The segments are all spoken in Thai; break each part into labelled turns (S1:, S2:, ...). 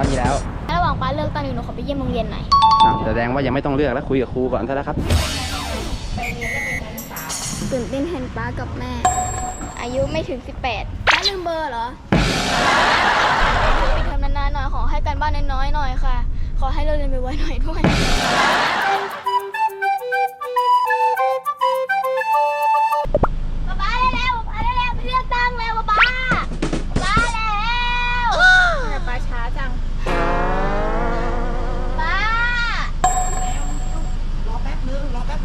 S1: ามีแล้ว
S2: ระหว่างป้าเลือกตั้งอยู่หนูขอไปเยี่ยมโรงเรียนหน่อย
S1: แสดงว่ายังไม่ต้องเลือกแล้วคุยกับครูก่อนซะแล้วครับ
S2: ตื่นเต้นแทนป้ากับแม่ อายุไม่ถึง 18ป้าลืมเบอร์เหรอไปทำนานๆหน่อยขอให้การบ้านน้อยๆหน่อยค่ะ ขอให้เราเรียนไปไวๆหน่อยด้วยป้าเร็วๆป้าเร็วๆไปเลือกตั้งแล้วป้าแล้วแต่ป้าช้าจังป้าร
S1: อแป๊บนึงเด็ก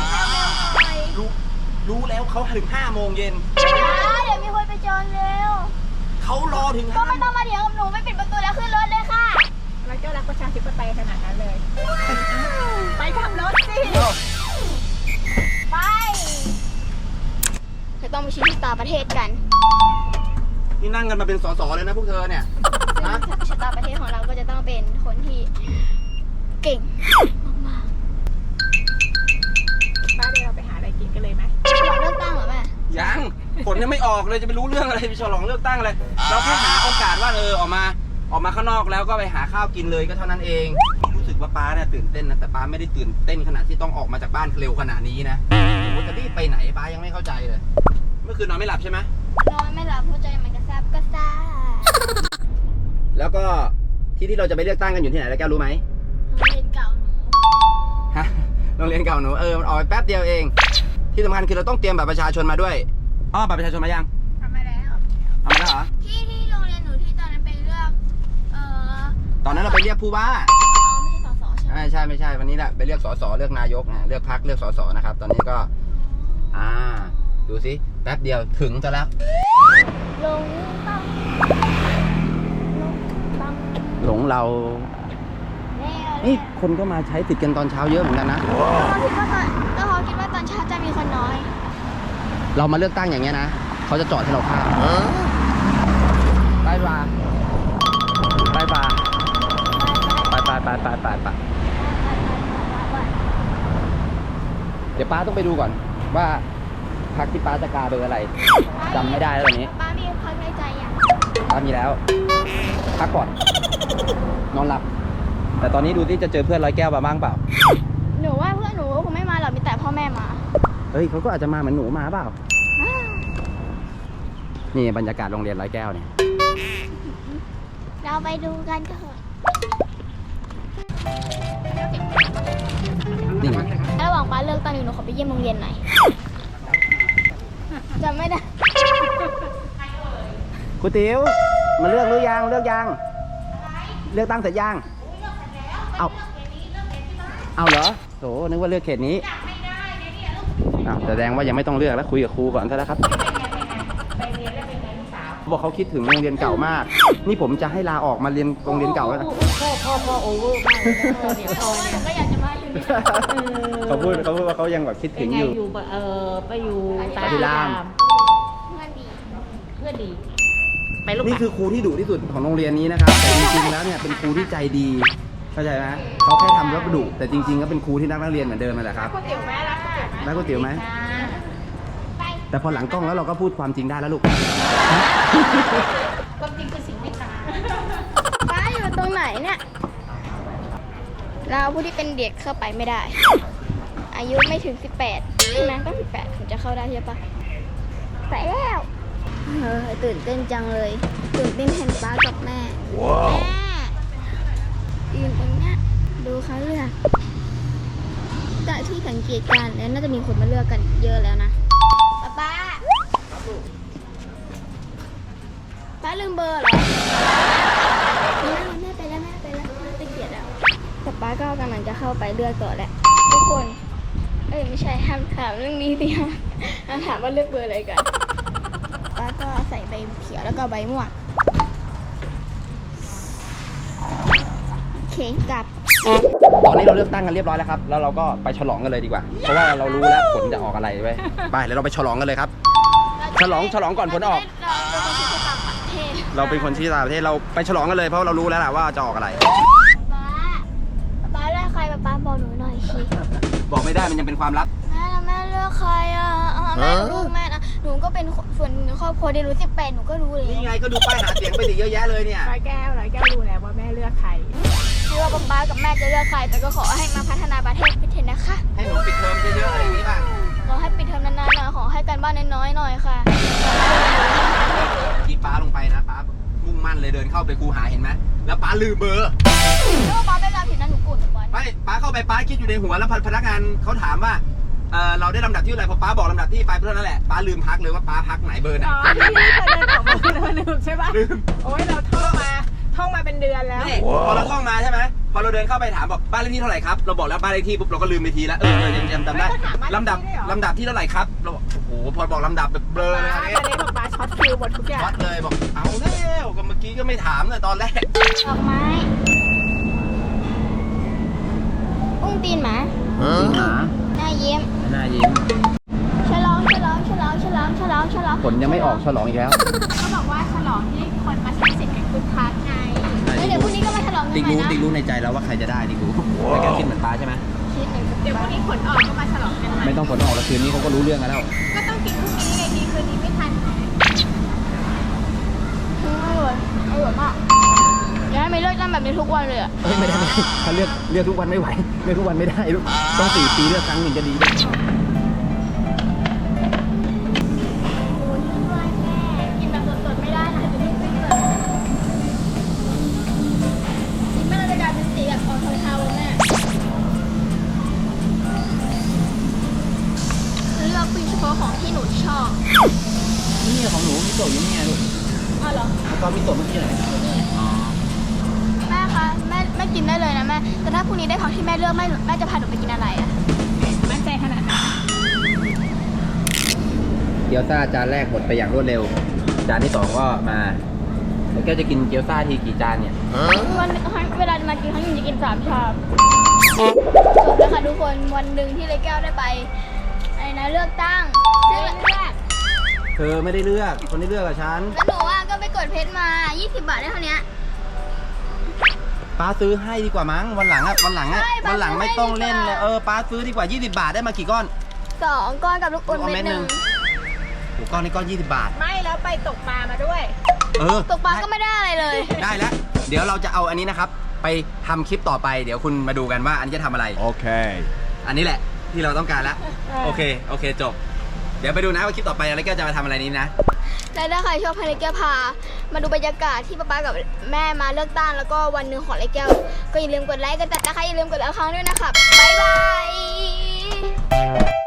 S1: รู้แล้วเขาถึง5 โมงเย็น
S2: เดี๋ยวมีคนไปจองเร็ว
S1: เขารอถึง
S2: ก็ไม่ต้องมาเถียงกับหนูไม่ปิดประตูแล้วขึ้นรถเลยค่ะแล้วก็รักประชาธิปไตยขนาดนั้นเลย ไปขับรถสิไปจะต้องไปชี้ชะตาประเทศกัน
S1: นี่นั่งกันมาเป็นสสเลยนะพวกเธอเนี่ยฮะ
S2: ชะตาประเทศของเราก็จะต้องเป็นคนที่เก่งมากๆป้าเดี๋ยวเราไปหาอะไรกินกันเลยไหมเลือกตั้งเหรอแม่
S1: ยังผลยังไม่ออกเลยจะไปรู้เรื่องอะไรไปฉลองเลือกตั้งเลยเราแค่หาโอกาสว่าออกมาข้างนอกแล้วก็ไปหาข้าวกินเลยก็เท่านั้นเองรู้สึกว่าป้าเนี่ยตื่นเต้นนะแต่ป้าไม่ได้ตื่นเต้นขนาดที่ต้องออกมาจากบ้านเร็วขนาดนี้นะจะรีบไปไหนป้ายังไม่เข้าใจเลยเมื่อคืนนอนไม่หลับใช่ไหม
S2: นอนไม่หลับหัวใจมันกระซับกระซ่า
S1: แล้วก็ที่เราจะไปเลือกตั้งกันอยู่ที่ไหนแล้วแกรู้ไหม
S2: โรงเรียนเก่าหนู
S1: ฮะโรงเรียนเก่าหนูมันออกไปแป๊บเดียวเองที่สำคัญคือเราต้องเตรียมบัตรประชาชนมาด้วยบัตรประชาชนมายัง
S2: ทำมาแล้ว
S1: เอามาแล้วเหรอ
S2: ที่โรงเรียนหนูที่ตอนนั้นไปเลือก
S1: ตอนนั้นเราไปเรียกผู้ว่า
S2: ไม่ใช่สสใช่ไหม
S1: ไม่ใช่วันนี้แหละไปเลือกสสเลือกนายกเลือกพรรคเลือกสสนะครับตอนนี้ก็ดูสิแป๊บเดียวถึงจะแล้ว
S2: ลงตั้ง
S1: หลงเรานี่คนก็มาใช้สิทธิ์กันตอนเช้าเยอะเหมือนกันนะ
S2: ก็เขาคิดว่าตอนเช้าจะมีคนน้อย
S1: เรามาเลือกตั้งอย่างเงี้ยนะเขาจะจอดให้เราข้ามไปเดี๋ยวป้าต้องไปดูก่อนว่าพรรคที่ป้าจะกาเบอร์อะไรจำไม่ได้แล้วตอนนี้
S2: ป้ามีพรรคในใจยัง
S1: ป้ามีแล้วพักก่อนนอนหลับแต่ตอนนี้ดูที่จะเจอเพื่อนร้อยแก้วมาบ้างเปล่า
S2: หนูว่าเพื่อนหนูคงไม่มาหรอกมีแต่พ่อแม่มา
S1: เฮ้ยเขาก็อาจจะมาเหมือนหนูมาเปล่านี่บรรยากาศโรงเรียนร้อยแก้วเนี่ย
S2: เราไปดูกันเถอะ
S1: นี่
S2: ระหว่างป้าเลือกตั้งอยู่หนูขอไปเยี่ยมโรงเรียนหน่อยจำไม่ได้
S1: ครูติ๋วมาเลือกหรือยังเลือกตั้งเสร็จยังเอาเหรอโถนึกว่าเลือกเขตนี้แสดงว่ายังไม่ต้องเลือกแล้วคุยกับครูก่อนซะแล้วครับบอกเขาคิดถึงโรงเรียนเก่ามากนี่ผมจะให้ลาออกมาเรียนโรงเรียนเก่าแล้วนะ
S2: พ่อโอเวอร์มากเดี๋ยวพ่อเนี่ยก็อยากจะมาอยู่นี่
S1: เขาพูดว่าเขายังแบบคิดถึงอยู่
S3: ไปอยู่
S1: ปฏิราม
S3: เพื่อนดีไปลูก
S1: นี่คือครูที่ดุที่สุดของโรงเรียนนี้นะครับแต่จริงๆแล้วเนี่ยเป็นครูที่ใจดีเข้าใจไหมเขาแค่ทำแล้วดุแต่จริงๆก็เป็นครูที่รักนักเรียนเหมือนเดิมนั่นแหละครับรักก๋วยเตี๋ยวไหมแต่พอหลังกล้องแล้วเราก็พูดความจริงได้แล้วลูก
S3: ความจริงคือสิ่งไม่ตาย
S2: ป้าอยู่ตรงไหนเนี่ยเราผู้ที่เป็นเด็กเข้าไปไม่ได้อายุไม่ถึง18ใช่ไหมก็18ถึงจะเข้าได้ใช่ปะใส่แล้วตื่นเต้นจังเลยตื่นเต้นแทนป้ากับแม่แม่ยืนตรงเนี้ยดูเขาเลือกจากที่สังเกตการแล้วน่าจะมีคนมาเลือกกันเยอะแล้วนะป้าลืมเบอร์เหรอแม่ไปแล้วตะเกียดแล้วแต่ป้าก็กำลังจะเข้าไปเลือกต่อแหละทุกคนไม่ใช่ห้ามถามเรื่องนี้สิห้ามถามว่าเลือกเบอร์อะไรกันป้าก็ใส่ใบเขียวแล้วก็ใบม่วงเข่งกับ
S1: ตอนนี้เราเลือกตั้งกันเรียบร้อยแล้วครับแล้วเราก็ไปฉลองกันเลยดีกว่าเพราะว่าเรารู้แล้วผลจะออกอะไรไว้ไปแล้วเราไปฉลองกันเลยครับฉลองก่อนผลออกเราเป็นคนชี้ตาประเทศเราไปฉลองกันเลยเพราะเรารู้แล้วแหละว่าจะออกอะไร
S2: ป้าเลือกใครป้าบอกหนูหน่อยสิ
S1: บอกไม่ได้มันยังเป็นความลับ
S2: แม่เลือกใครแม่ลูกแม่นะหนูก็เป็นส่วนครอบครัวเดียวรู้18หนูก็รู้เลย
S1: นี่ไงก็ดูป้ายหาเสียงไปดิเยอะแยะเลยเนี่ย
S2: ร้อยแก้ว
S3: แก้วรู้แล้วว่าแม่เลือกใคร
S2: ไม่ว่าป๊ากับแม่จะเลือกใครแต่ก็ขอให้มาพัฒนาประเทศพิเทศนะคะ
S1: ให้หนูปิดเทอมเยอะๆอะไรอย่างนี้ป่ะ
S2: ขอให้ปิดเทอมนานๆหน่อยขอให้การบ้านน้อยๆหน่อยค่ะ
S1: ที่ป้าลงไปนะป้ามุ่งมั่นเลยเดินเข้าไปคูหาเห็นไหมแล้วป้าลืมเบอร์
S2: แล้วป๊าไม่รับผิดนะหนูโกรธป๊า
S1: ไม่ป้าเข้าไปป้าคิดอยู่ในหัวแล้วพนักงานเขาถามว่าเราได้ลำดับที่เท่าไหร่พอป้าบอกลำดับที่ไปเท่านั้นแหละป้าลืมพักเลยว่าป้าพักไหนเบอร์ไหน
S3: อ๋อที่เธอเดินออกมาเธอลืมใช่ปะ
S1: ลืม
S3: โอ้ยเราท่องมาเป็นเดือนแล้ว
S1: นี่พอเราท่องมาใช่ไหมพอเราเดินเข้าไปถามบอกบ้านเลขที่เท่าไหร่ครับเราบอกแล้วบ้านเลขที่ปุ๊บเราก็ลืมไปทีแล้วยังจำได้
S3: ไม่ต้องถามบ้านเลขที่
S1: ลำดับ
S3: ด้วยเหรอ
S1: ลำดับที่เท่าไหร่ครับเราบอกโอ้โหพอบอกลำดับแบบเบลอเลย
S3: ป้า
S1: อัน
S3: ตอนนี้บอกป้าช็อตคิวหมดทุกอย่าง
S1: วัดเลยบอกเอาแล้วก็เมื่อกี้ก็ไม่ถามเลยตอนแรก
S2: ดอกไม้อุ้งตีนหมาหน้ายิ้ม
S1: หน้ายิ้ม
S2: ฉลองฉลองฉลองฉลองฉลองฉลอง
S1: ผลยังไม่ออกฉลองอีกแล้ว
S3: เขาบอกว่าฉลองที่คนมาใช้สิทธิ์กันคึกคักไง
S2: แล้วเดี๋ยวพรุ่งนี้ก็มาฉลองกัน
S1: ติ๊ก
S2: ใหม่
S1: รู้
S2: นะ
S1: ติ๊กรู้ในใจแล้วว่าใครจะได้ติ๊กรู้ไม่แกคิดเหมือนป้าใช่ไหม
S2: คิดหนึ่ง
S3: เดี๋ยวพรุ่งนี้ผลออกก็มาฉลองกันใหม่
S1: ไม่ต้องผลออกแล้วคืนนี้เขาก็รู้เรื่องกันแล้ว
S3: ก็ต้องกินพรุ่งนี้ไงดีคืนนี้ไม่ทันไง
S2: อร่อยอร่อยมากอยากให้มีเลิกตั้งแบบนี้ทุกวันเลยอะ
S1: เฮ้ยไม่ได้ถ้าเลือกทุกวันไม่ไหวเลือกทุกวันไม่ได้ลูกต้อง4 ปีเลือกครั้งหนึ่งจะดีด้วย
S2: กินแบบสดๆไม่ได้นะจะไม่ขึ้นเลยกินไม่ได้จะกลายเป็นสีแบบออกเทาๆแม่เลือกเป็นเฉพาะของที่หนูชอบ
S1: นี่ของหนูมิโตะอยู่นี่ไงลูก
S2: อ๋อเหรอ
S1: แล้วก็มิโตะเมื่อกี้ไหนอ๋อ
S2: แม่คะแม่กินได้เลยนะแม่แต่ถ้าพรุ่งนี้ได้ของที่แม่เลือกแม่จะพาหนูไปกินอะไรอะ
S3: มั่นใจขนาดนั้น
S1: เกี๊ยวซ่าจานแรกหมดไปอย่างรวดเร็ว จานที่2ก็มาแล้วแกจะกินเกี๊ยวซ่าทีกี่จานเนี่ย
S2: วันเวลามากินครั้งหนึงจะกิน3 ชามจบแล้วค่ะทุกคนวันหนึ่งที่เลยแก้วได้ไปอะไรนะเลือกตั้งซึ่งเลือก
S1: เธอไม่ได้เลือกคนที่เลือกกับฉัน
S2: แล้วหนูอ่ะก็ไปกดเพชรมา 20 บาทได้เท่านี้
S1: ป้าซื้อให้ดีกว่ามั้งวันหลังวันหลัง
S2: ใช่ป้า
S1: วันหลังไม่ต้องเล่นเลย
S2: ซื้อให้ดีกว่า
S1: ป้าซื้อดีกว่า20 บาทได้มากี่ก้อน
S2: 2 ก้อนกับลูกอมเม็ดหนึ่ง
S1: โอ้ก้อนนี้ก้อน20 บาท
S3: ไม่แล้วไปตกปลามาด้วย
S2: ตกปลาก็ไม่ได้อะไรเลย
S1: ได้แล้ว เดี๋ยวเราจะเอาอันนี้นะครับ ไปทำคลิปต่อไป เดี๋ยวคุณมาดูกันว่าอันนี้จะทำอะไร
S4: Okay.
S1: อันนี้แหละที่เราต้องการแล้ว โอเคจบ เดี๋ยวไปดูนะว่าคลิปต่อไปอะไรก็จะมาทำอะไรนี้นะ
S2: และถ้าใครชอบให้เลแก้วพา มาดูบรรยากาศที่ป๊ากับแม่มาเลือกตั้งแล้วก็วันหนึ่งของเลแก้ว ก็อย่าลืมกดไลค์กดติดตามนะคะอย่าลืมกดแล้วครั้งด้วยนะครับบ๊ายบาย